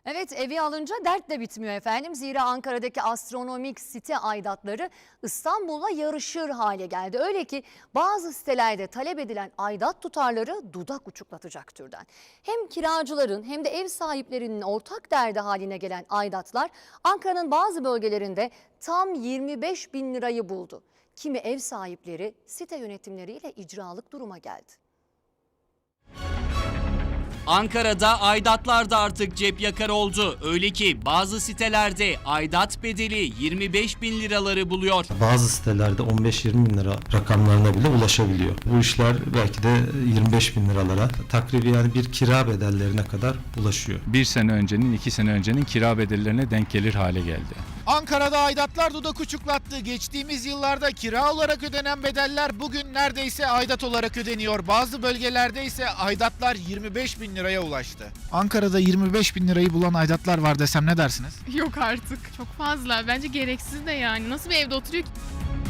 Evet, evi alınca dert de bitmiyor efendim. Zira Ankara'daki astronomik site aidatları İstanbul'la yarışır hale geldi. Öyle ki bazı sitelerde talep edilen aidat tutarları dudak uçuklatacak türden. Hem kiracıların hem de ev sahiplerinin ortak derdi haline gelen aidatlar Ankara'nın bazı bölgelerinde tam 25 bin lirayı buldu. Kimi ev sahipleri site yönetimleriyle icralık duruma geldi. Ankara'da aidatlar da artık cep yakar oldu. Öyle ki bazı sitelerde aidat bedeli 25 bin liraları buluyor. Bazı sitelerde 15-20 bin lira rakamlarına bile ulaşabiliyor. Bu işler belki de 25 bin liralara, takribi yani bir kira bedellerine kadar ulaşıyor. Bir sene öncenin, 2 sene öncenin kira bedellerine denk gelir hale geldi. Ankara'da aidatlar dudak uçuklattı. Geçtiğimiz yıllarda kira olarak ödenen bedeller bugün neredeyse aidat olarak ödeniyor. Bazı bölgelerde ise aidatlar 25 bin liraya ulaştı. Ankara'da 25 bin lirayı bulan aidatlar var desem ne dersiniz? Yok artık. Çok fazla. Bence gereksiz de yani. Nasıl bir evde oturuyor ki?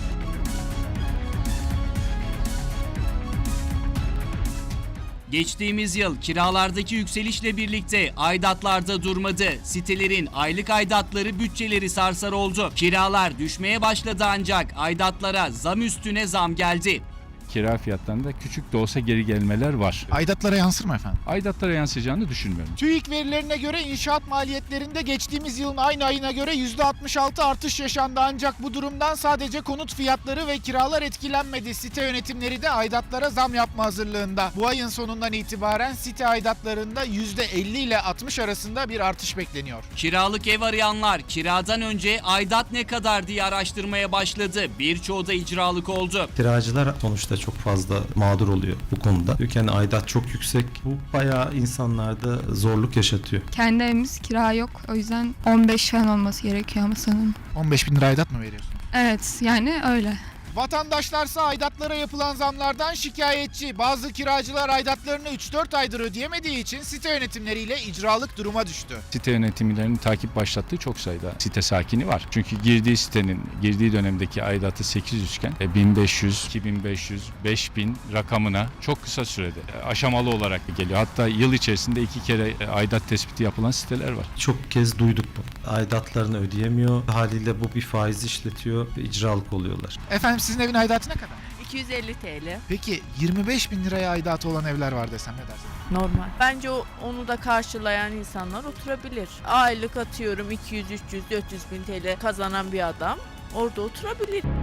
Geçtiğimiz yıl kiralardaki yükselişle birlikte aidatlarda durmadı. Sitelerin aylık aidatları bütçeleri sarsar oldu. Kiralar düşmeye başladı ancak aidatlara zam üstüne zam geldi. Kira fiyatlarında küçük de olsa geri gelmeler var. Aidatlara yansır mı efendim? Aidatlara yansıyacağını düşünmüyorum. TÜİK verilerine göre inşaat maliyetlerinde geçtiğimiz yılın aynı ayına göre %66 artış yaşandı. Ancak bu durumdan sadece konut fiyatları ve kiralar etkilenmedi. Site yönetimleri de aidatlara zam yapma hazırlığında. Bu ayın sonundan itibaren site aidatlarında %50 ile 60 arasında bir artış bekleniyor. Kiralık ev arayanlar kiradan önce aidat ne kadar diye araştırmaya başladı. Birçoğu da icralık oldu. Kiracılar sonuçta çok fazla mağdur oluyor bu konuda. Yani aidat çok yüksek. Bu bayağı insanlarda zorluk yaşatıyor. Kendi evimiz kira yok. O yüzden 15 falan olması gerekiyor ama sanırım. 15 bin lira aidat mı veriyorsun? Evet yani öyle. Vatandaşlarsa aidatlara yapılan zamlardan şikayetçi. Bazı kiracılar aidatlarını 3-4 aydır ödeyemediği için site yönetimleriyle icralık duruma düştü. Site yönetimlerinin takip başlattığı çok sayıda site sakini var. Çünkü girdiği dönemdeki aidatı 800 iken 1500, 2500, 5000 rakamına çok kısa sürede aşamalı olarak geliyor. Hatta yıl içerisinde 2 kere aidat tespiti yapılan siteler var. Çok kez duyduk bu. Aidatlarını ödeyemiyor. Haliyle bu bir faiz işletiyor ve icralık oluyorlar. Efendim sizin evin aidatı ne kadar? 250 TL. Peki 25 bin liraya aidatı olan evler var desem ne dersin? Normal. Bence onu da karşılayan insanlar oturabilir. Aylık atıyorum 200, 300, 400 bin TL kazanan bir adam orada oturabilir.